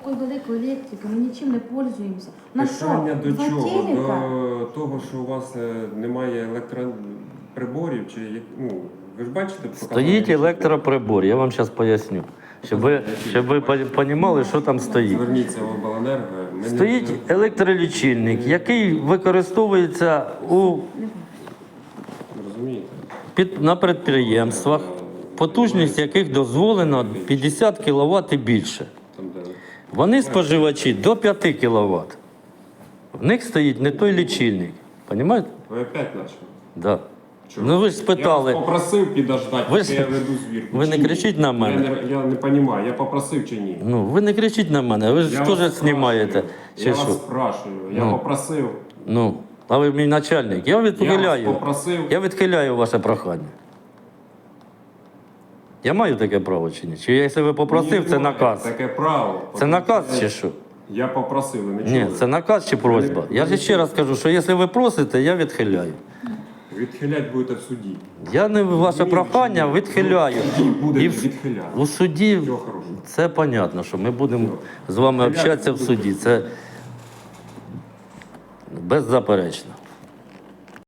такої великої електрики, ми нічим не пользуємося. На що? Питання до Два чого? телека? До того, що у вас немає електроприборів, чи ну, ви ж бачите, показали Стоїть лічильник? електроприбор, я вам зараз поясню. Щоб ви розуміли, що там стоїть. Зверніться в обленерго. Ми не- Стоїть електролічильник, який використовується Розумієте? на підприємствах, потужність яких дозволено 50 кВт і більше. Там, де... Вони споживачі до 5 кВт. В них стоїть не той лічильник. Понімаєте? Ви опять почали. Да. Чого? Ну ви ж спитали. Я вас попросив підождати, Ви поки ж- я веду звірку. ви не Чи ні? кричіть на мене. Я не розумію, я попросив чи ні? Ну, ви не кричіть на мене, ви ж Я теж вас знімаєте. спрашую. Чи Я що? вас спрашую, я Ну. попросив. Ну, а ви мій начальник. Я Я вас відхиляю. попросив. Я відхиляю ваше прохання. Я маю таке право чи ні? Чи якщо ви попросив, Ні, це немає наказ? Таке право. Це наказ чи що? Я попросив, ви не Ні, чули? це наказ чи просьба. Я ж ще раз кажу, що якщо ви просите, я відхиляю. Відхилять будете в суді. Я не ваше прохання відхиляю. В суді будете І відхиляти. у суді Всього хорошого. це зрозуміло, що ми будемо з вами общатися в суді. Це беззаперечно.